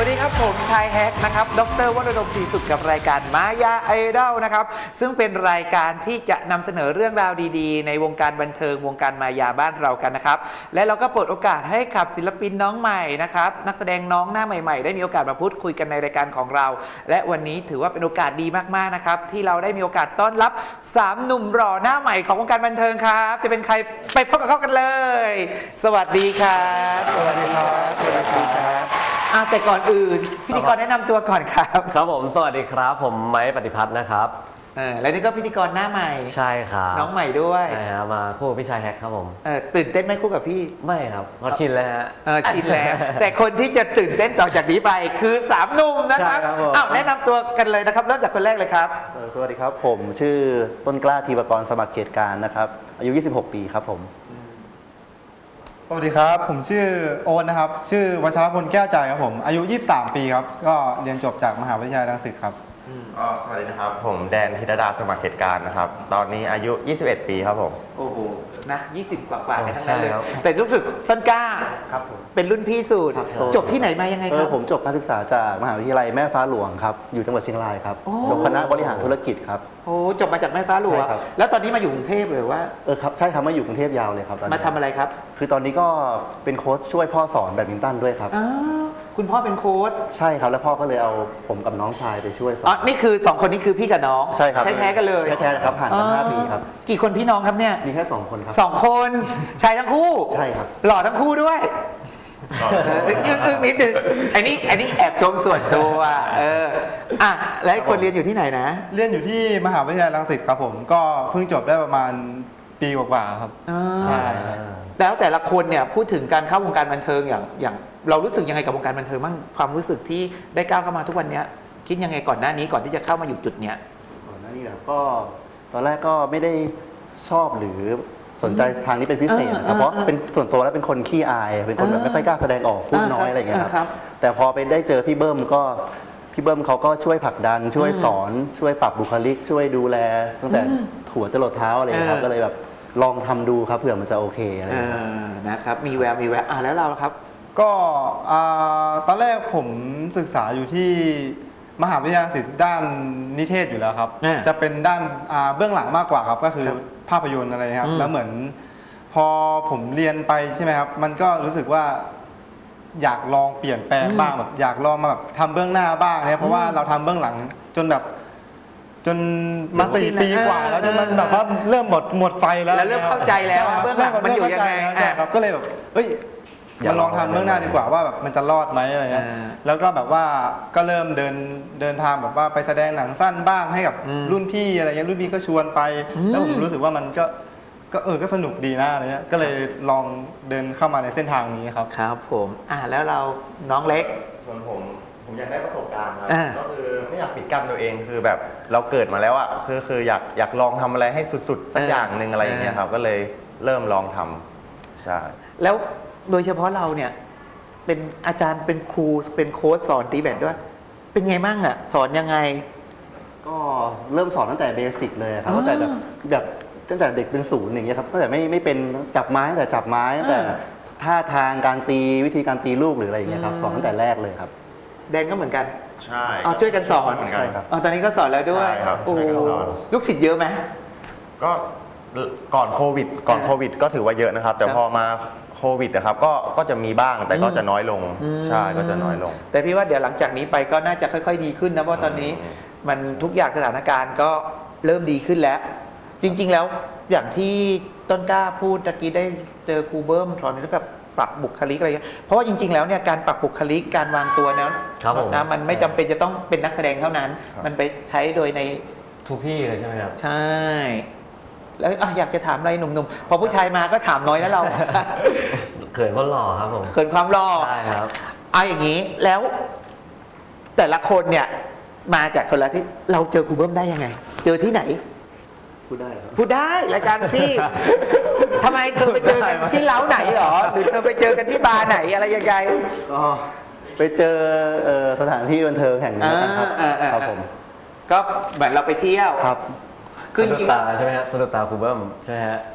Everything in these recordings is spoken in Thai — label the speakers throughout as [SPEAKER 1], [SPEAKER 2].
[SPEAKER 1] วัสดีครับผมชายแฮกนะครับดร.วรดลศรีสุขกับรายการมายาไอดอลนะครับซึ่งเป็นรายการที่จะนำเสนอเรื่องราวดีๆในวงการบันเทิงวงการมายาบ้านเรากันนะครับและเราก็เปิดโอกาสให้กับศิลปินน้องใหม่นะครับนักแสดงน้องหน้าใหม่ๆได้มีโอกาสมาพูดคุยกันในรายการของเราและวันนี้ถือว่าเป็นโอกาสดีมากๆนะครับที่เราได้มีโอกาสต้อนรับ3หนุ่มหล่อหน้าใหม่ของวงการบันเทิงครับจะเป็นใครไปพบกับเขากันเลยสวัสดีครับสวัสดีครับสวัสดีครับแต่ก่อนอื่นพิธีกรแนะนำตัวก่อนครับ
[SPEAKER 2] ครับผมสวัสดีครับผมไม้ปฏิพัฒน์นะครับ
[SPEAKER 1] แล้วนี่ก็พิธีกรหน้าใหม่
[SPEAKER 2] ใช่ครับ
[SPEAKER 1] น้องใหม่ด้วย
[SPEAKER 2] ใช่ครับมาคู่กับพี่ชายแฮกครับผม
[SPEAKER 1] ตื่นเต้นไหมคู่กับพี่
[SPEAKER 2] ไม่ครับก็ชินแล้วฮะ
[SPEAKER 1] ชินแล้ว แต่คนที่จะตื่นเต้นต่อจากนี้ไปคือ3หนุ่มนะครับแนะนำตัวกันเลยนะครับเริ่มจากคนแรกเลยครับ
[SPEAKER 3] สวัสดีครับผมชื่อต้นกล้าธีปกรสมัครเขตการนะครับอายุ26 ปีครับผม
[SPEAKER 4] สวัสดีครับผมชื่อโอ๊ตนะครับชื่อวัชรพลแก้วใจครับผมอายุ23 ปีครับก็เรียนจบจากมหาวิทยาลัยรังสิตครับ
[SPEAKER 5] สวัสดีนะครับผมแดนธิรดาสมัครเหตุการณ์นะครับตอนนี้อายุ21 ปีครับผม
[SPEAKER 1] โอ้โหนะ20กว่าๆทั้งนั้นเลยแต่รู้สึกต้นกล้า
[SPEAKER 3] ครับผม
[SPEAKER 1] เป็นรุ่นพี่สุดจบที่ไหนมายังไงครับ
[SPEAKER 3] ผมจบการศึกษาจากมหาวิทยาลัยแม่ฟ้าหลวงครับอยู่จังหวัดเชียงรายครับจบคณะบริหารธุรกิจครับ
[SPEAKER 1] โอ้จบมาจากแม่ฟ้าหลวงแล้วตอนนี้มาอยู่กรุงเทพหรือว่า
[SPEAKER 3] ครับใช่ครับมาอยู่กรุงเทพยาวเลยครับ
[SPEAKER 1] มาทำอะไรครับ
[SPEAKER 3] คือตอนนี้ก็เป็นโค้ชช่วยพ่อสอนแบดมินตันด้วยครับ
[SPEAKER 1] คุณพ่อเป็นโค้ช
[SPEAKER 3] ใช่ครับแล้วพ่อก็เลยเอาผมกับน้องชายไปช่วยสอน
[SPEAKER 1] นี่คือ2คนนี้คือพี่กับน้อง
[SPEAKER 3] ใช่ครับ
[SPEAKER 1] แท้ๆกันเลย
[SPEAKER 3] แท้ๆครับผ่านกัน5 ปีครับ
[SPEAKER 1] กี่คนพี่น้องครับเนี่ย
[SPEAKER 3] มีแค่2 คนครับ
[SPEAKER 1] 2 คนชายทั้งคู่
[SPEAKER 3] ใช่ครับ
[SPEAKER 1] หล่อทั้งคู่ด้วยอึ้งนิดนึงอันนี้แอบชมส่วนตัวแล้วคนเรียนอยู่ที่ไหนนะ
[SPEAKER 4] เรียนอยู่ที่มหาวิทยาลัยรังสิตครับผมก็เพิ่งจบได้ประมาณปีกว่าๆครับ
[SPEAKER 1] ใช่แล้วแต่ละคนเนี่ยพูดถึงการเข้าวงการบันเทิงอย่างเรารู้สึกยังไงกับวงการบันเทิงบ้างความรู้สึกที่ได้ก้าวเข้ามาทุกวันนี้คิดยังไงก่อนหน้านี้ก่อนที่จะเข้ามาอยู่จุดเนี้ย
[SPEAKER 3] ก่อนหน้านี้ก็ตอนแรกก็ไม่ได้ชอบหรือสนใจทางนี้เป็นพิเศษนะครับเพราะเป็นส่วนตัวแล้วเป็นคนขี้อายเป็นคนแบบไม่ค่อยกล้าแสดงออกพูดน้อยอะไรอย่างเงี้ยครับแต่พอไปได้เจอพี่เบิ้มเขาก็ช่วยผลักดันช่วยสอนช่วยปรับบุคลิกช่วยดูแลตั้งแต่หัวจรดเท้าอะไรครับก็เลยแบบลองทำดูครับเผื่อมันจะโอเคอะไร
[SPEAKER 1] นะครับมีแววแล้วเราครับ
[SPEAKER 4] ก็ตอนแรกผมศึกษาอยู่ที่มหาวิทยาลัยรังสิตด้านนิเทศอยู่แล้วครับจะเป็นด้านเบื้องหลังมากกว่าครับก็คือภาพยนตร์อะไรครับแล้วเหมือนพอผมเรียนไปใช่ไหมครับมันก็รู้สึกว่าอยากลองเปลี่ยนแปลงบ้างแบบอยากลองมาแบบทำเบื้องหน้าบ้างเนี่ยเพราะว่าเราทำเบื้องหลังจนมา4 ปีกว่าแล้วจนมันแบบว่าเริ่มหมดไฟแล้ว
[SPEAKER 1] เริ่มเข้าใจแล้วเบื้องหลังมันอยู่ยังไง
[SPEAKER 4] ครับก็เลยแบบมันลองทำเบื้องหน้าดีกว่าว่าแบบมันจะรอดไหมอะไรเงี้ยแล้วก็แบบว่าก็เริ่มเดินทางแบบว่าไปแสดงหนังสั้นบ้างให้กับรุ่นพี่อะไรเงี้ยรุ่นพี่ก็ชวนไปแล้วผมรู้สึกว่ามันก็สนุกดีนะอะไรเงี้ยก็เลยลองเดินเข้ามาในเส้นทางนี้ครับ
[SPEAKER 1] ครับผมแล้วเราน้องเล็ก
[SPEAKER 5] ส่วนผมอยากได้ประสบการณ์ครับก็คือไม่อยากปิดกั้นตัวเองคือแบบเราเกิดมาแล้วอ่ะคืออยากลองทำอะไรให้สุดๆสักอย่างหนึ่งอะไรอย่างเงี้ยครับก็เลยเริ่มลองทำใช่
[SPEAKER 1] แล้วโดยเฉพาะเราเนี่ยเป็นอาจารย์เป็นครูเป็นโค้ชสอนตีแบดด้วยเป็นไงบ้างอ่ะสอนยังไง
[SPEAKER 3] ก็เริ่มสอนตั้งแต่เบสิกเลยครับตั้งแต่แบบตั้งแต่เด็กเป็น0อย่างเงี้ยครับตั้งแต่ไม่เป็นจับไม้แต่จับไม้แต่ท่าทางการตีวิธีการตีลูกหรืออะไรอย่างเงี้ยครับสอนตั้งแต่แรกเลยครับ
[SPEAKER 1] แดนก็เหมือนกัน
[SPEAKER 5] ใช่
[SPEAKER 1] ช่วยกันสอน
[SPEAKER 5] ครับ
[SPEAKER 1] ตอนนี้ก็สอนแล้วด้วยโอ้ลูกศิษย์เยอะไหม
[SPEAKER 5] ก็ก่อนโควิดก็ถือว่าเยอะนะครับแต่พอมาโควิดนะครับก็จะมีบ้างแต่ก็จะน้อยลงใช่ก็จะน้อยลง
[SPEAKER 1] แต่พี่ว่าเดี๋ยวหลังจากนี้ไปก็น่าจะค่อยๆดีขึ้นนะเพราะตอนนี้มันทุกอย่างสถานการณ์ก็เริ่มดีขึ้นแล้วจริงๆแล้วอย่างที่ต้นกล้าพูดตะกี้ได้เจอครูเบิ้มสอนเรื่องกับปรับบุคลิกอะไรเพราะว่าจริงๆแล้วเนี่ยการปรับบุคลิกการวางตัวนั้นนะมันไม่จำเป็นจะต้องเป็นนักแสดงเท่านั้นมันไปใช้โดยใน
[SPEAKER 2] ทุกที่เลยใช่ไหมครับ
[SPEAKER 1] ใช่แล้วอยากจะถามอะไรหนุ่มๆพอผู้ชายมาก็ถามน้อยแล้วเรา
[SPEAKER 2] เขินความหล่อครับผม
[SPEAKER 1] เขินความหล่อ
[SPEAKER 2] ใช่ครับ
[SPEAKER 1] อย่างนี้แล้วแต่ละคนเนี่ยมาจากคนละที่เราเจอครูเบิ้มได้ยังไงเจอที่ไหน
[SPEAKER 3] พูด
[SPEAKER 1] ได้รายการพี่ทำไมเธอไปเจอกันที่เล้าไหนหรอหรือเธอไปเจอกันที่บาร์ไหนอะไรยังไง
[SPEAKER 3] ก็ไปเจอสถานที่บันเทิงแห่งนี้ครับผม
[SPEAKER 1] ก็เหมือนเราไปเที่ยว
[SPEAKER 3] ครับ
[SPEAKER 2] คือสะดุดตาใช่ไหมฮะสะดุดตาครูเบิ้มใช่ไหมฮะ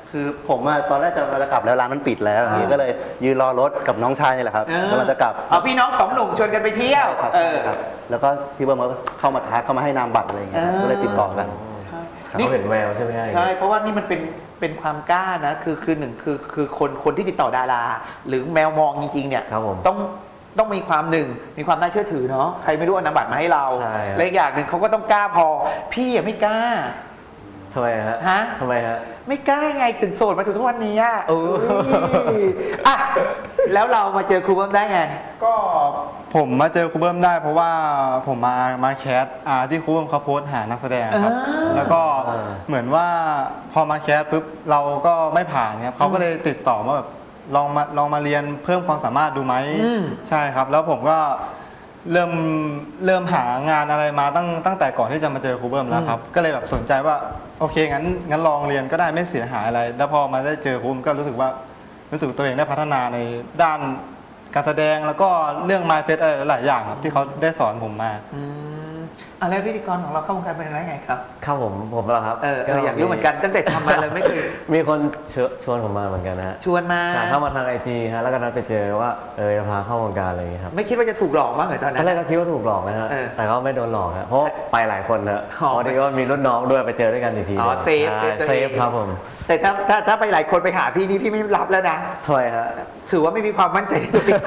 [SPEAKER 3] คือผมอะตอนแรกจะกลับแล้วร้านมันปิดแล้วอย่างนี้ก็เลยยืนรอรถกับน้องชายนี่แหละครับกำลังจะกลับ
[SPEAKER 1] เอาพี่น้องสองหนุ่มชวนกันไปเที่ยว
[SPEAKER 3] ครับครับแล้วก็พี่เบิ้มก็เข้ามาทักเข้ามาให้นามบัตรอะไรอย่างเงี้ยครับก็เลยติดต่อกัน
[SPEAKER 2] เขาเห็นแววใช่ไหมฮะ
[SPEAKER 1] ใช่เพราะว่านี่มันเป็นความกล้านะคือหนึ่งคือคนที่ติดต่อดารา หรือแมวมองจริงๆเนี่ย
[SPEAKER 2] ครับผม
[SPEAKER 1] ต้องมีความมีความน่าเชื่อถือเนาะใครไม่รู้เอานามบัตรมาให้เรา
[SPEAKER 2] ใช่ครับ
[SPEAKER 1] และอีกอย่างหนึ่งเขาก็ต้องกล้าพอพี่ไม่กล้า
[SPEAKER 2] ทำไมฮะ
[SPEAKER 1] ฮะ
[SPEAKER 2] ทำไมฮะ
[SPEAKER 1] ไม่กล้าไงถึงโสดมาถึงทุกวันนี้อ่ะ
[SPEAKER 2] โอ้ย
[SPEAKER 1] อ่ะแล้วเรามาเจอครูเบิ้มได้ไง
[SPEAKER 4] ก็ผมมาเจอครูเบิ้มได้เพราะว่าผมมาแคสที่ครูเบิ้มเขาโพสต์หานักแสดงครับ แล้วก็เหมือนว่าพอมาแคสปุ๊บเราก็ไม่ผ่านครับเขาก็เลยติดต่อมาแบบลองมาเรียนเพิ่มความสามารถดูไหมใช่ครับ แล้วผมก็เริ่มหางานอะไรมาตั้งแต่ก่อนที่จะมาเจอครูเบิ้มแล้วครับก็เลยแบบสนใจว่าโอเคงั้นลองเรียนก็ได้ไม่เสียหายอะไร แล้วพอมาได้เจอครูเบิ้มก็รู้สึกตัวเองได้พัฒนาในด้านการแสดงแล้วก็เรื่อง mindset อะไรหลายอย่างครับที่เขาได้สอนผมมา
[SPEAKER 1] แล้วพิธีกรของเราเข้าวงการเป็นไงครับ
[SPEAKER 2] ครับผมเหรอครับ
[SPEAKER 1] อยากรู้เหมือนกันตั้งแต่ทำมาเลยไม่เคย
[SPEAKER 2] มีคนชวนผมมาเหมือนกันนะฮะ
[SPEAKER 1] ชวนมา
[SPEAKER 2] เข้ามาทาง IT ฮะแล้วก็นัดไปเจอว่าจะพาเข้าวงการอะไรอย่างเงี้ยครับ
[SPEAKER 1] ไม่คิดว่าจะถูกหลอกมั้งเหรอตอนนั้
[SPEAKER 2] ตอน
[SPEAKER 1] น
[SPEAKER 2] แรกก็คิดว่าถูกหลอกนะฮะ แต่ก็ไม่โดนหลอกฮะเพราะไปหลายคนนะ
[SPEAKER 1] อ๋อ
[SPEAKER 2] พอดีก็มีรุ่นน้องด้วยไปเจอด้วยกันอีกที
[SPEAKER 1] อ๋อเซฟ
[SPEAKER 2] ใช่
[SPEAKER 1] ตัว
[SPEAKER 2] เซ
[SPEAKER 1] เอง
[SPEAKER 2] ฟครับผม
[SPEAKER 1] แต่ถ้าไปหลายคนไปหาพี่นี่พี่ไม่รับแล้วนะ
[SPEAKER 2] ถอยฮะ
[SPEAKER 1] ถือว่าไม่มีความมั่นใจในตัวเอง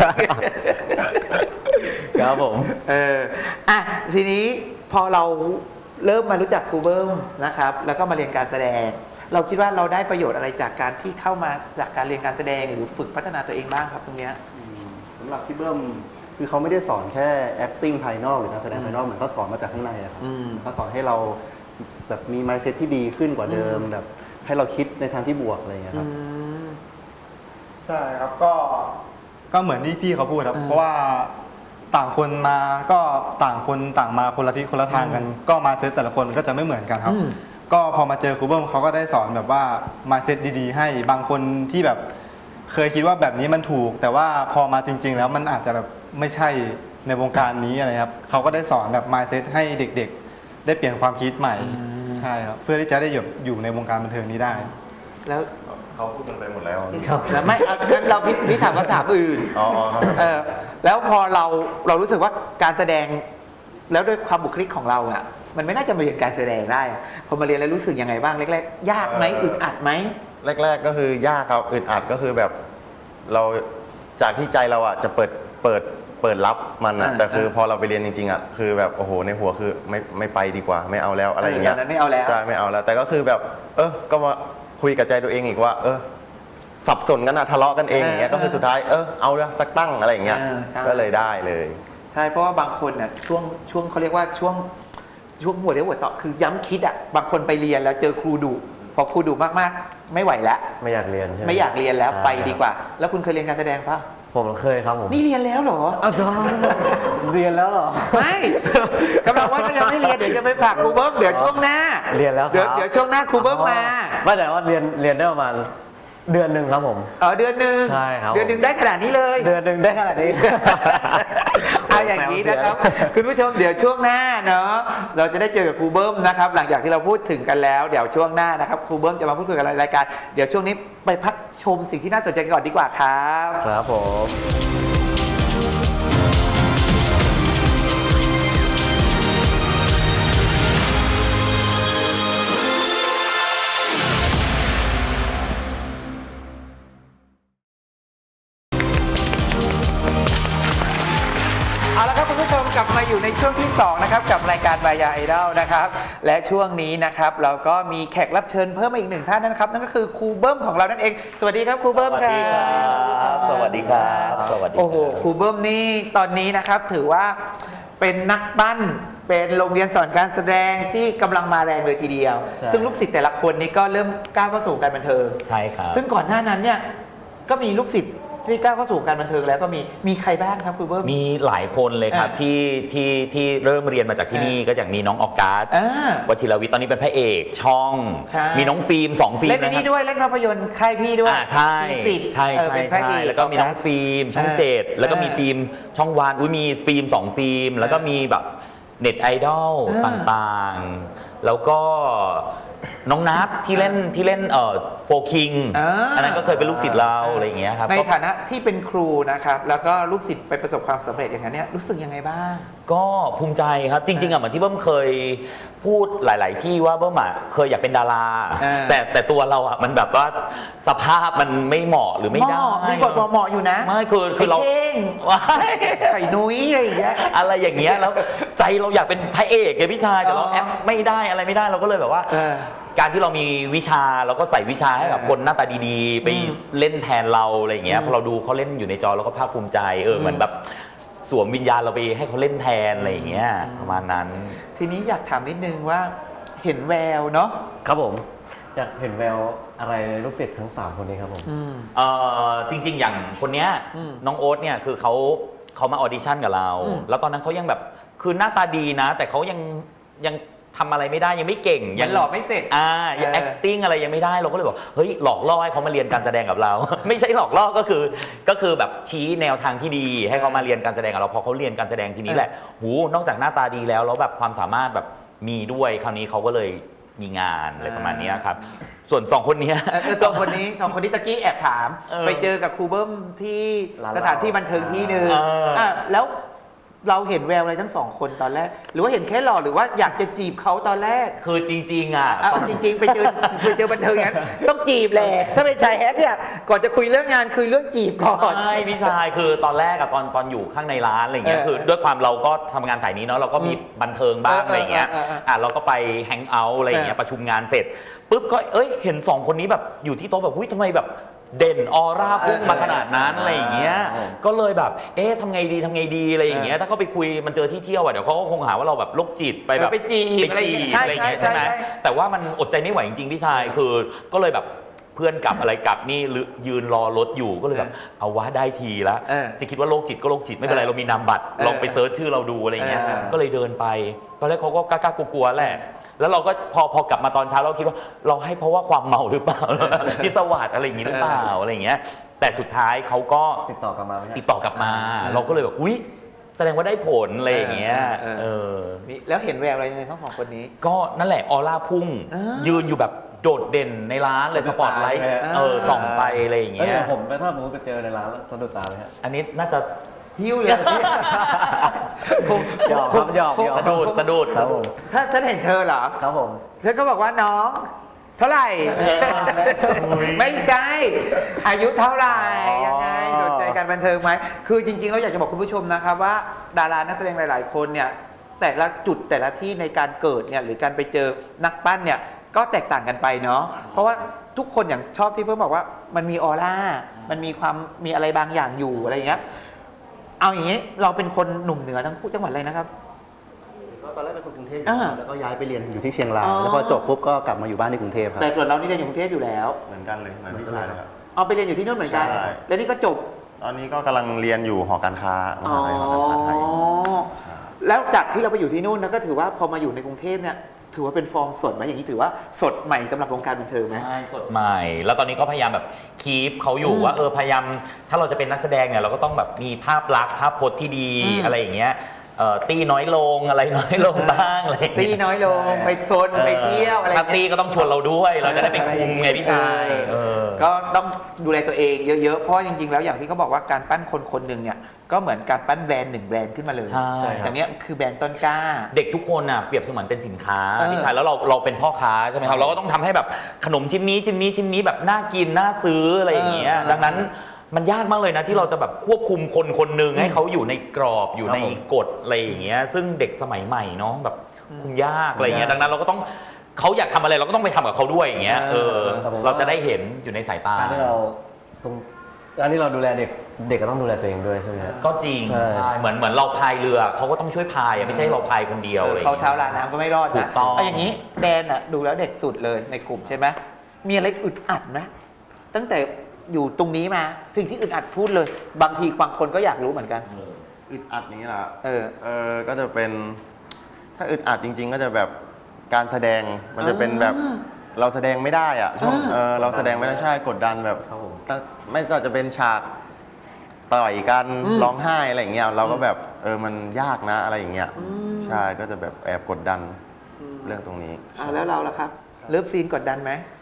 [SPEAKER 2] ครับผม
[SPEAKER 1] ทีนี้พอเราเริ่มมารู้จักครูเบิ้มนะครับแล้วก็มาเรียนการแสดง เราคิดว่าเราได้ประโยชน์อะไรจากการที่เข้ามาจากการเรียนการแสดงหรือฝึกพัฒนาตัวเองบ้างครับตรงเนี้ย
[SPEAKER 3] สำหรับพี่เบิ้มคือเขาไม่ได้สอนแค่ acting ภายนอกหรือการแสดงภายนอกเหมือนเขาสอนมาจากข้างในอะครับเขาสอนให้เราแบบมี mindset ที่ดีขึ้นกว่าเดิมแบบให้เราคิดในทางที่บวกอะไรอย่างเงี้ยครับ
[SPEAKER 4] ใช่ครับก็เหมือนที่พี่เขาพูดครับ เพราะว่าต่างคนมาก็ต่างคนต่างมาคนละทิศคนละทางกัน ก็มาเซตแต่ละคนก็จะไม่เหมือนกันครับ ก็พอมาเจอครูเบิ้มเขาก็ได้สอนแบบว่ามาเซตดีๆ ให้บางคนที่แบบเคยคิดว่าแบบนี้มันถูก แต่ว่าพอมาจริง ๆ แล้วมันอาจจะแบบไม่ใช่ในวงการนี้อะไรครับเขาก็ได้สอนแบบมาเซตให้เด็กๆ ได้เปลี่ยนความคิดใหม่ใช่ครับเพื่อที่จะได้อยู่ในวงการบันเทิงนี้ได้
[SPEAKER 1] แล้ว
[SPEAKER 5] เขาพูดกันไปหมดแล้ว
[SPEAKER 1] แล้วไม่งั้นเราพี่ถามคำถามอื่น
[SPEAKER 5] อ๋อครับ
[SPEAKER 1] แล้วพอเรารู้สึกว่าการแสดงแล้วด้วยความบุคลิกของเราอ่ะมันไม่น่าจะมาเรียนการแสดงได้อะพอมาเรียนแล้วรู้สึกยังไงบ้างแรกๆยากไหมอึดอัดไหม
[SPEAKER 5] แรกๆก็คือยากครับอึดอัดก็คือแบบเราจากที่ใจเราอ่ะจะเปิดรับมันอ่ะแต่คือพอเราไปเรียนจริงๆอ่ะคือแบบโอ้โหในหัวคือไม่ไปดีกว่าไม่เอาแล้วอะไรอย่างเงี้ย
[SPEAKER 1] ตอนนั้นไม่เอาแล้ว
[SPEAKER 5] ใช่ไม่เอาแล้ว แต่ก็คือแบบก็มาคุยกับใจตัวเองอีกว่าสับสนกันนะทะเลาะกันเองอย่างเงี้ยก็คือสุดท้ายเอาละสักตั้งอะไรอย่างเงี้ยก็เลยได้เลย
[SPEAKER 1] ใช่เพราะว่าบางคนน่ะช่วงเขาเรียกว่าช่วงหัวเรียวหัวต่อคือย้ำคิดอ่ะบางคนไปเรียนแล้วเจอครูดุพอครูดุมากๆไม่ไหวแล้ว
[SPEAKER 2] ไม่อยากเรียนใช่ไหม
[SPEAKER 1] ไม่อยากเรียนแล้ว
[SPEAKER 2] ใช่
[SPEAKER 1] ไปดีกว่า แล้วคุณเคยเรียนการแสดงปะ
[SPEAKER 2] ผมเคยครับผม
[SPEAKER 1] นี่เรียนแล้วเหรอ
[SPEAKER 2] อ้าวเรียนแล้วเหรอ
[SPEAKER 1] ไม่กำลังว่าก็ยังไม่เรียนเดี๋ยวจะไปฝากครูเบิ้มเดี๋ยวช่วงหน้า
[SPEAKER 2] เรียนแล้วครับ
[SPEAKER 1] เดี๋ยวช่วงหน้าครูเบิ้มมา
[SPEAKER 2] ไม่แต่ว่าเรียนได้ประมาณเดือนหนึ่งครับผม
[SPEAKER 1] เดือนหนึ่ง
[SPEAKER 2] ใช่ครับ
[SPEAKER 1] เดือนหนึ่งได้ขนาดนี้เลย
[SPEAKER 2] เดือนหนึ่งได้ขนาดนี้
[SPEAKER 1] เอาอย่างนี้นะครับ คุณผู้ชมเดี๋ยวช่วงหน้าเนาะเราจะได้เจอกับครูเบิ้มนะครับ หลังจากที่เราพูดถึงกันแล้วเดี๋ยวช่วงหน้านะครับครูเบิ้มจะมาพูดคุยกับรายการเดี๋ยวช่วงนี้ไปพักชมสิ่งที่น่าสนใจกันก่อนดีกว่าครับ
[SPEAKER 2] ครับผม
[SPEAKER 1] เอาละครับคุณผู้ชมกลับมาอยู่ในช่วงที่2นะครับกับรายการบายาไอดอลนะครับและช่วงนี้นะครับเราก็มีแขกรับเชิญเพิ่มมาอีกหนึ่งท่านนะครับนั่นก็คือครูเบิ้มของเรานั่นเองสวัสดีครับครูเบิ้มครับ
[SPEAKER 6] สวัสดีครับสวัสดีครับ
[SPEAKER 1] โอ้โหครูเบิ้มนี่ตอนนี้นะครับถือว่าเป็นนักปั้นเป็นโรงเรียนสอนการแสดงที่กำลังมาแรงเลยทีเดียว
[SPEAKER 6] ใช่
[SPEAKER 1] ซึ่งลูกศิษย์แต่ละคนนี่ก็เริ่มก้าวเข้าสู่การบันเทิง
[SPEAKER 6] ใช่ครับ
[SPEAKER 1] ซึ่งก่อนหน้านั้นเนี่ยก็มีลูกศิษย์ที่ก้าวเข้าสู่การบันเทิงแล้วก็มีใครบ้างครับครูเบิ้ม
[SPEAKER 6] มีหลายคนเลยครับที่เริ่มเรียนมาจากที่นี่ก็อย่างมีน้องออกัส วชิรวิทย์ตอนนี้เป็นพระเอกช่อง
[SPEAKER 1] ใช่
[SPEAKER 6] มีน้องฟิล์ม2 ฟิล์ม
[SPEAKER 1] เล่นใน
[SPEAKER 6] นะค
[SPEAKER 1] นี่
[SPEAKER 6] รับ
[SPEAKER 1] ด้วยเล่นภาพยนตร์ค่ายพี่ด้วย
[SPEAKER 6] ใช่
[SPEAKER 1] มีสิทธิ์
[SPEAKER 6] ใช่
[SPEAKER 1] เป็นพระเอก
[SPEAKER 6] แล้วก็มีน้องฟิล์มช่อง 7 แล้วก็มีฟิล์มช่องวันมีฟิล์ม2 ฟิล์มแล้วก็มีแบบเน็ตไอดอลต่างๆ แล้วก็น้องนัทที่เล่นโฟคิงอันนั้นก็เคยเป็นลูกศิษย์เราอะไรอย่างเงี้ยครับ
[SPEAKER 1] ในฐานะที่เป็นครูนะครับแล้วก็ลูกศิษย์ไปประสบความสำเร็จอย่างนั้นเนี่ยรู้สึกยังไงบ้าง
[SPEAKER 6] ก็ภูมิใจครับจริงๆเหมือนที่เบิ้มเคยพูดหลาย ๆ ที่ว่าเบิ้มเคยอยากเป็นดาราแต่ตัวเรามันแบบว่าสภาพมันไม่เหมาะหรือไม่ได้
[SPEAKER 1] มีบทเหมาะอยู่นะ
[SPEAKER 6] ไม่คือเรา
[SPEAKER 1] ไข่นุ้ยอะไรอย่างเงี้ย
[SPEAKER 6] แล้วใจเราอยากเป็นพระเอกไงพี่ชายแต่เราแอปไม่ได้อะไรไม่ได้เราก็เลยแบบว่าการที่เรามีวิชาเราก็ใส่วิชาให้กับคนหน้าตาดีๆไปเล่นแทนเราอะไรอย่างเงี้ยพอเราดูเขาเล่นอยู่ในจอเราก็ภาคภูมิใจเหมือนแบบสวมวิญญาณเราไปให้เขาเล่นแทนอะไรอย่างเงี้ยประมาณนั้น
[SPEAKER 1] ทีนี้อยากถามนิดนึงว่าเห็นแววเนาะ
[SPEAKER 2] ครับผมอยากเห็นแววอะไรในลูกศิษย์ทั้ง3คนนี้ครับผม
[SPEAKER 6] จริงๆอย่างคนเนี้ยน้องโอ๊ตเนี่ยคือเขามาออดิชั่นกับเราแล้วตอนนั้นเขายังแบบคือหน้าตาดีนะแต่เขายังทำอะไรไม่ได้ยังไม่เก่ง
[SPEAKER 1] ยังหล่อไม่เสร็จ
[SPEAKER 6] ยัง acting อะไรยังไม่ได้เราก็เลยบอกเฮ้ยหลอกล่อให้เขามาเรียนการแสดงกับเรา ไม่ใช่หลอกล่อก็คือแบบชี้แนวทางที่ดีให้เขามาเรียนการแสดงกับเราพอเขาเรียนการแสดงทีนี้แหละนอกจากหน้าตาดีแล้วแบบความสามารถแบบมีด้วยคราวนี้เขาก็เลยมีงานอะไรประมาณนี้ครับส่วน2 คนนี้
[SPEAKER 1] สองคนนี้ตะกี้แอบถามไปเจอกับครูเบิ้มที่สถานที่บันเทิงที่นึงแล้วเราเห็นแววอะไรทั้ง2 คนตอนแรกหรือว่าเห็นแค่หล่อหรือว่าอยากจะจีบเขาตอนแรก
[SPEAKER 6] คือจริง
[SPEAKER 1] จริงๆไปเจอบันเทิงอย่างนั้นต้องจีบแหละถ้าเป็นชายแฮกเนี่ยก่อนจะคุยเรื่องงานคุยเรื่องจีบก่อน
[SPEAKER 6] ไม่พี่ชายคือตอนแรกตอนอยู่ข้างในร้านอะไรเงี้ยคือด้วยความเราก็ทำงานสายนี้เนาะเราก็มีบันเทิงบ้างอะไรเงี้ยเราก็ไปแฮงเอาท์อะไรเงี้ยประชุมงานเสร็จปุ๊บก็เห็น2 คนนี้แบบอยู่ที่โต๊ะแบบทำไมแบบเด่นออร่าพุ่งมาขนาดนั้นอะไรอย่างเงี้ยก็เลยแบบทำไงดีอะไรอย่างเงี้ยถ้าเขาไปคุยมันเจอที่เที่ยวเดี๋ยวเขาก็คงหาว่าเราแบบโรคจิตไปแบบ
[SPEAKER 1] ไปจีบอะไรอย่างเงี้ย
[SPEAKER 6] ใช่ไหมแต่ว่ามันอดใจไม่ไหวจริงๆพี่ชายคือก็เลยแบบเพื่อนกลับอะไรกลับนี่ยืนรอรถอยู่ก็เลยแบบเอาวะได้ทีละจะคิดว่าโรคจิตก็โรคจิตไม่เป็นไรเรามีนามบัตรลองไปเซิร์ชชื่อเราดูอะไรเงี้ยก็เลยเดินไปตอนแรกเขาก็กล้ากลัวๆแหละแล้วเราก็พอกลับมาตอนเช้าเราคิดว่าเราให้เพราะว่าความเมาหรือเปล่าพิศวาสอะไรอย่างนี้หรือเปล่าอะไรอย่างเงี้ยแต่สุดท้ายเขาก็
[SPEAKER 2] ติดต่อกลับ
[SPEAKER 6] มาเราก็เลยแบบอุ๊ยแสดงว่าได้ผลอะไรอย่างเงี้ย
[SPEAKER 1] แล้วเห็นแววอะไรในทั้ง2 คนนี้
[SPEAKER 6] ก็นั่นแหละออร่าพุ่งยืนอยู่แบบโดดเด่นในร้านเลยสปอตไลท์ส่องไปอะไรอย่างเงี้ย
[SPEAKER 2] ผมถ้าผมไปเจอในร้านแล้วสะดุดตาไหมฮะ
[SPEAKER 6] อันนี้น่าจะ
[SPEAKER 1] หิ้วเลย
[SPEAKER 2] หยอก
[SPEAKER 6] สะดุด
[SPEAKER 2] ครับผม
[SPEAKER 1] ถ้าเห็นเธอเหรอ
[SPEAKER 2] ครับผม
[SPEAKER 1] ฉันก็บอกว่าน้องเท่าไหร่ไม่ใช่อายุเท่าไหร่ยังไงสนใจการบันเทิงไหมคือจริงๆเราอยากจะบอกคุณผู้ชมนะครับว่าดารานักแสดงหลายๆคนเนี่ยแต่ละจุดแต่ละที่ในการเกิดเนี่ยหรือการไปเจอนักปั้นเนี่ยก็แตกต่างกันไปเนาะเพราะว่าทุกคนอย่างชอบที่เพิ่มบอกว่ามันมีออร่ามันมีอะไรบางอย่างอยู่อะไรอย่างเงี้ยเอาอย่างนี้เราเป็นคนหนุ่มเหนือทั้งคู่จังหวัดอะไรนะครับ
[SPEAKER 3] ตอนแรกเป็นคนกรุงเทพแล้วก็ย้ายไปเรียนอยู่ที่เชียงรายแล้วพอจบปุ๊บก็กลับมาอยู่บ้านที่กรุงเทพครับ
[SPEAKER 1] แต่ส่วนเรานี่เรียนอยู่กรุงเทพอยู่แล้ว
[SPEAKER 5] เหมือนกันเลยเหมือนพี่ชายเลยครับ
[SPEAKER 1] ไปเรียนอยู่ที่นู่นเหมือนกันแล้วนี่ก็จบ
[SPEAKER 5] ตอนนี้ก็กำลังเรียนอยู่หอการค้ามหาลัยหอการค้าไทย
[SPEAKER 1] แล้วจากที่เราไปอยู่ที่นู่นก็ถือว่าพอมาอยู่ในกรุงเทพเนี่ยถือว่าเป็นฟอร์มสดไหมอย่างนี้ถือว่าสดใหม่สำหรับวงการบันเทิงไหม
[SPEAKER 6] ใช่สดใหม่แล้วตอนนี้ก็พยายามแบบคีปเขาอยู่ว่าพยายามถ้าเราจะเป็นนักแสดงเนี่ยเราก็ต้องแบบมีภาพลักษณ์ภาพพจน์ที่ดีอะไรอย่างเงี้ยตีน้อยลงอะไรน้อยลงบ้างอะไร
[SPEAKER 1] ตีน้อยลงไปโซนไปเที่ยวอะไร
[SPEAKER 6] ถ้าตีก็ต้องชวนเราด้วยเราจะได้ไปคุมไงพี่ชาย
[SPEAKER 1] ก็ต้องดูแลตัวเองเยอะๆเพราะจริงๆแล้วอย่างที่เขาบอกว่าการปั้นคนคนหนึ่งเนี่ยก็เหมือนการปั้นแบรนด์1 แบรนด์ขึ้นมาเลย
[SPEAKER 6] ใช่
[SPEAKER 1] อย่างนี้คือแบรนด์ต้นกล้า
[SPEAKER 6] เด็กทุกคนน่ะเปรียบเสมือนเป็นสินค้าพี่ชายแล้วเราเป็นพ่อค้าใช่ไหมครับเราก็ต้องทำให้แบบขนมชิ้นนี้แบบน่ากินน่าซื้ออะไรอย่างเงี้ยดังนั้นมันยากมากเลยนะที่เราจะแบบควบคุมคนหนึ่งให้เขาอยู่ในกรอบอยู่ในกฎอะไรอย่างเงี้ยซึ่งเด็กสมัยใหม่เนาะแบบคุมยากอะไรอย่างเงี้ยดังนั้นเราก็ต้องเขาอยากทำอะไรเราก็ต้องไปทำกับเขาด้วยอย่างเงี้ยเราจะได้เห็นอยู่ในสายตา
[SPEAKER 2] การที่เราดูแลเด็กก็ต้องดูแลตัวเองด้วยใช่ไหม
[SPEAKER 6] ก็จริงใช่เหมือนเราพายเรือเขาก็ต้องช่วยพายไม่ใช่เราพายคนเดียวเลย
[SPEAKER 1] เขาเท้าลาน้ำก็ไม่รอดนะอย่างนี้แดนอะดูแล้วเด็กสุดเลยในกลุ่มใช่ไหมมีอะไรอึดอัดไหมตั้งแต่อยู่ตรงนี้มาสิ่งที่อึดอัดพูดเลยบางทีบางคนก็อยากรู้เหมือนกัน
[SPEAKER 5] อึดอัดนี้ล่ะก็จะเป็นถ้าอึดอัดจริงๆก็จะแบบการแสดงมันจะเป็นแบบเราแสดงไม่ได้อะเราแสดงไม่ได้ใช่กดดันแบบไม่ว่าจะเป็นฉากต่อยกันร้องไห้อะไรอย่างเงี้ยเราก็แบบมันยากนะอะไรอย่างเงี้ยใช่ก็จะแบบแอบกดดันเรื่องตรงนี้
[SPEAKER 1] แล้วเราล่ะครับเลิฟซีนกดดันไหม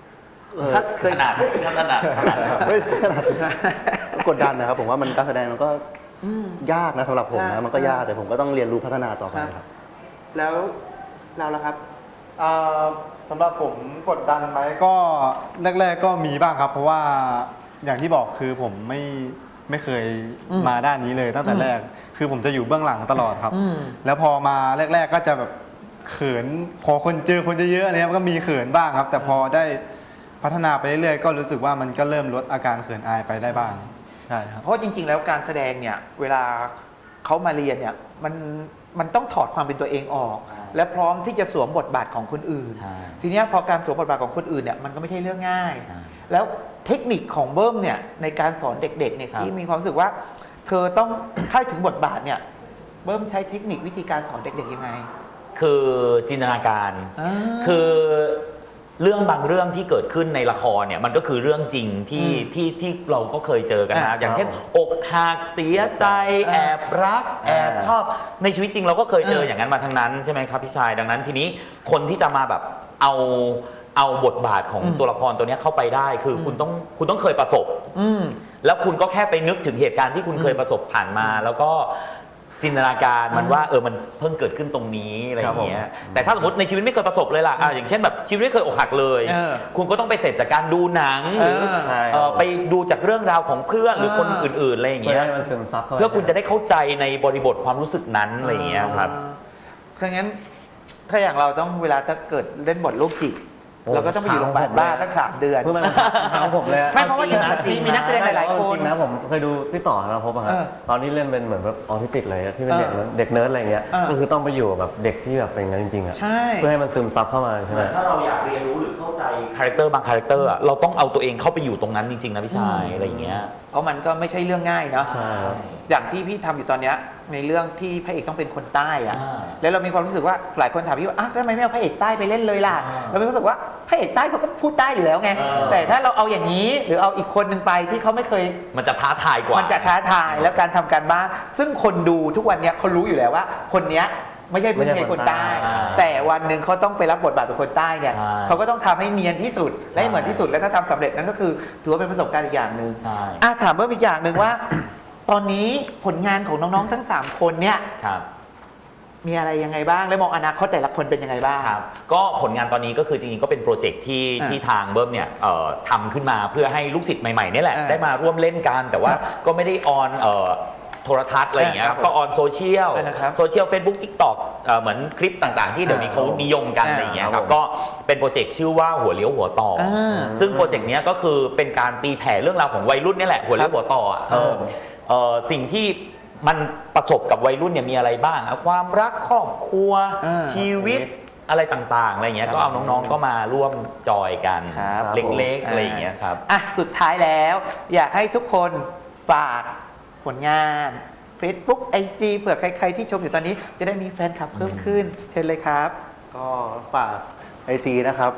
[SPEAKER 1] ถ้าเคย
[SPEAKER 6] ขนาดขนาด
[SPEAKER 3] ไม่ขนาดกดดันนะครับผมว่ามันการแสดงมันก็ยากนะสำหรับผมนะมันก็ยากแต่ผมก็ต้องเรียนรู้พัฒนาต่อไปครับ
[SPEAKER 1] แล้วเราล่ะครับ
[SPEAKER 4] สำหรับผมกดดันไหมก็แรก ๆก็มีบ้างครับ เพราะว่าอย่างที่บอกคือผมไม่เคยมาด้านนี้เลยตั้งแต่แรกคือผมจะอยู่เบื้องหลังตลอดครับ แล้วพอมาแรก ๆก็จะแบบเขินพอคนเจอคนเยอะๆเนี่ยก็มีเขินบ้างครับ แต่พอได้พัฒนาไปเรื่อยๆก็รู้สึกว่ามันก็เริ่มลดอาการเขินอายไปได้บ้างใช่ครับ
[SPEAKER 1] เพราะจริงๆแล้วการแสดงเนี่ยเวลาเขามาเรียนเนี่ยมันต้องถอดความเป็นตัวเองออก และพร้อมที่จะสวมบทบาทของคนอื่น
[SPEAKER 6] ใช่
[SPEAKER 1] ทีเนี้ยพอการสวมบทบาทของคนอื่นเนี่ยมันก็ไม่ใช่เรื่องง่าย แล้วเทคนิคของเบิ้มเนี่ยในการสอนเด็กๆเนี่ยที่มีความรู้สึกว่า เธอต้องถ้าถึงบทบาทเนี่ยเบิ้มใช้เทคนิควิธีการสอนเด็กๆยังไง
[SPEAKER 6] คือจินตนาการ คือเรื่องบางเรื่องที่เกิดขึ้นในละครเนี่ยมันก็คือเรื่องจริงที่เราก็เคยเจอกันนะอย่างเช่นอกหักเสียใจแอบรักแอบชอบในชีวิตจริงเราก็เคยเจออย่างนั้นมาทั้งนั้นใช่ไหมครับพี่ชายดังนั้นทีนี้คนที่จะมาแบบเอาบทบาทของตัวละครตัวนี้เข้าไปได้คือคุณต้องเคยประสบแล้วคุณก็แค่ไปนึกถึงเหตุการณ์ที่คุณเคยประสบผ่านมาแล้วก็จินตนาการมันว่ามันเพิ่งเกิดขึ้นตรงนี้อะไรอย่างเงี้ยแต่ถ้าสมมติในชีวิตไม่เคยประสบเลยล่ะอย่างเช่นแบบชีวิตไม่เคยอกหักเลยคุณก็ต้องไปเสร็จจากการดูหนังหรือไปดูจากเรื่องราวของเพื่อนหรือคนอื่นๆอะไรอย่างเงี้ย
[SPEAKER 2] เพื่อให้มันซึมซับเข้าไป
[SPEAKER 6] เพื่อคุณจะได้เข้าใจในบริบทความรู้สึกนั้นอะไรอย่างเงี้ยครับ
[SPEAKER 1] ถ้างั้นถ้าอย่างเราต้องเวลาถ้าเกิดเล่นบทโรคจิตเราก็ต้องไปอยู่โรงพยาบาลบ้าสัก3 เดือน
[SPEAKER 2] เพื่อมันทางผมเลย
[SPEAKER 1] ไม่เพราะว่าจริงๆมีนักแสดงหลายๆคน
[SPEAKER 2] จริงนะผมเคยดูพี่ต่อนะพบอะครับตอนนี้เล่นเป็นเหมือนแบบออทิสติกเลยที่เป็นเด็กเนิร์ดอะไรเงี้ยก็คือต้องไปอยู่แบบเด็กที่แบบเป็นงั้นจริงๆอะ
[SPEAKER 1] ใช่
[SPEAKER 2] เพื่อให้มันซึมซับเข้ามาใช่ไหม
[SPEAKER 6] ถ้าเราอยากเรียนรู้หรือเข้าใจคาแรคเตอร์บางคาแรคเตอร์เราต้องเอาตัวเองเข้าไปอยู่ตรงนั้นจริงๆนะพี่ชายอะไรอย่างเงี้ย
[SPEAKER 1] เพราะมันก็ไม่ใช่เรื่องง่ายเนาะ
[SPEAKER 2] ใช่ครับ
[SPEAKER 1] อย่างที่พี่ทำอยู่ตอนเนี้ยในเรื่องที่พระเอกต้องเป็นคนใต้อะ
[SPEAKER 6] อ่า
[SPEAKER 1] แล้วเรามีความรู้สึกว่าหลายคนถามพี่ว่าทำไมไม่เอาพระเอกใต้ไปเล่นเลยล่ะเรามีความรู้สึกว่าพระเอกใต้เขาก็พูดใต้อยู่แล้วไงแต่ถ้าเราเอาอย่างนี้หรือเอาอีกคนหนึ่งไปที่เขาไม่เคย
[SPEAKER 6] มันจะท้าทายกว่า
[SPEAKER 1] มันจะท้าทายแล้วการทำการบ้านซึ่งคนดูทุกวันเนี้ยเขารู้อยู่แล้วว่า คนเนี้ยไม่ใช่พื้นเพคนใต้ แต่วันหนึ่งเขาต้องไปรับบทบาทเป็นคนใต้เนี่ย
[SPEAKER 6] ใช่
[SPEAKER 1] เขาก็ต้องทำให้เนียนที่สุด
[SPEAKER 6] ใช่
[SPEAKER 1] และให้เหมือนที่สุดและถ้าทำสำเร็จนั่นก็คือถือว่าเป็นประสบการณ์อีกอย่างหนึ่ง
[SPEAKER 6] ใช่
[SPEAKER 1] ถามเพิ่มอีกอย่างหนึ่งว่า ตอนนี้ผลงานของน้องๆทั้ง3 คนเนี่ย
[SPEAKER 6] ครับ
[SPEAKER 1] มีอะไรยังไงบ้างและมองอนาคตแต่ละคนเป็นยังไงบ้าง
[SPEAKER 6] ครับก็ผลงานตอนนี้ก็คือจริงๆก็เป็นโปรเจกต์ที่ทางเบิ้มเนี่ยทำขึ้นมาเพื่อให้ลูกศิษย์ใหม่ๆนี่แหละ ได้มาร่วมเล่นกันแต่ว่าก็ไม่ได้ออนโทรทัศน์อะไรอย่างเงี้ยก็ออนโซเชียลเฟซบุ๊กทิกต็อกเหมือนคลิปต่างๆที่เดี๋ยวนี้เขานิยมกันอะไรอย่างเงี้ยครับก็เป็นโปรเจกต์ชื่อว่าหัวเลี้ยวหัวต่อซึ่งโปรเจกต์นี้ก็คือเป็นการตีแผ่เรื่องราวของวัยรุ่นนี่แหละหัวเลี้ยวหัวต่อสิ่งที่มันประสบกับวัยรุ่นเนี่ยมีอะไรบ้างความรักครอบครัวชีวิตอะไรต่างๆอะไรอย่างเงี้ยก็เอาน้องๆก็มาร่วมจอยกันเล็กๆอะไรอย่างเงี้ยครับ
[SPEAKER 1] สุดท้ายแล้วอยากให้ทุกคนฝากผลงาน Facebook IG เผื่อใครๆที่ชมอยู่ตอนนี้จะได้มีแฟนคลับเพิ่มขึ้นเชิญเลยครับ
[SPEAKER 3] ก็ฝาก IG นะครับ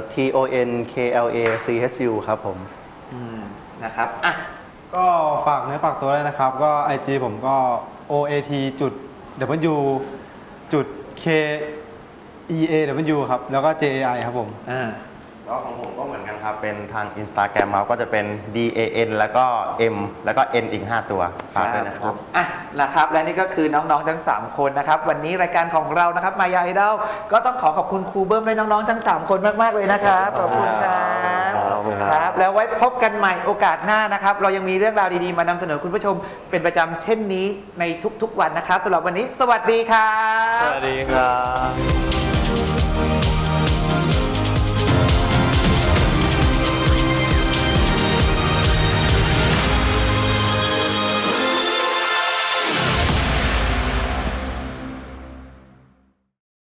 [SPEAKER 3] TONKLACHU ครับผม
[SPEAKER 1] นะครับ
[SPEAKER 4] ก็ฝากเนื้อฝากตัวเลยนะครับก็ IG ผมก็ OAT.W.K.EAW ครับแล้วก็ JAI ครับผม
[SPEAKER 5] ก็ของผมก็เหมือนกันครับเป็นทาง Instagram ครับก็จะเป็น DAN แล้วก็ M แล้วก็ N อีก5 ตัวฝากด้วยนะครับ
[SPEAKER 1] นะครับและนี่ก็คือน้องๆทั้ง3คนนะครับวันนี้รายการของเรานะครับมายาไอดอลก็ต้องขอบคุณครูเบิ้มและน้องๆทั้ง3คนมากๆเลยนะครับขอบคุณครับแล้วไว้พบกันใหม่โอกาสหน้านะครับเรายังมีเรื่องราวดีๆมานำเสนอคุณผู้ชมเป็นประจำเช่นนี้ในทุกๆวันนะครับสำหรับวันนี้สวัสดีครับ
[SPEAKER 4] สวัสดีครับ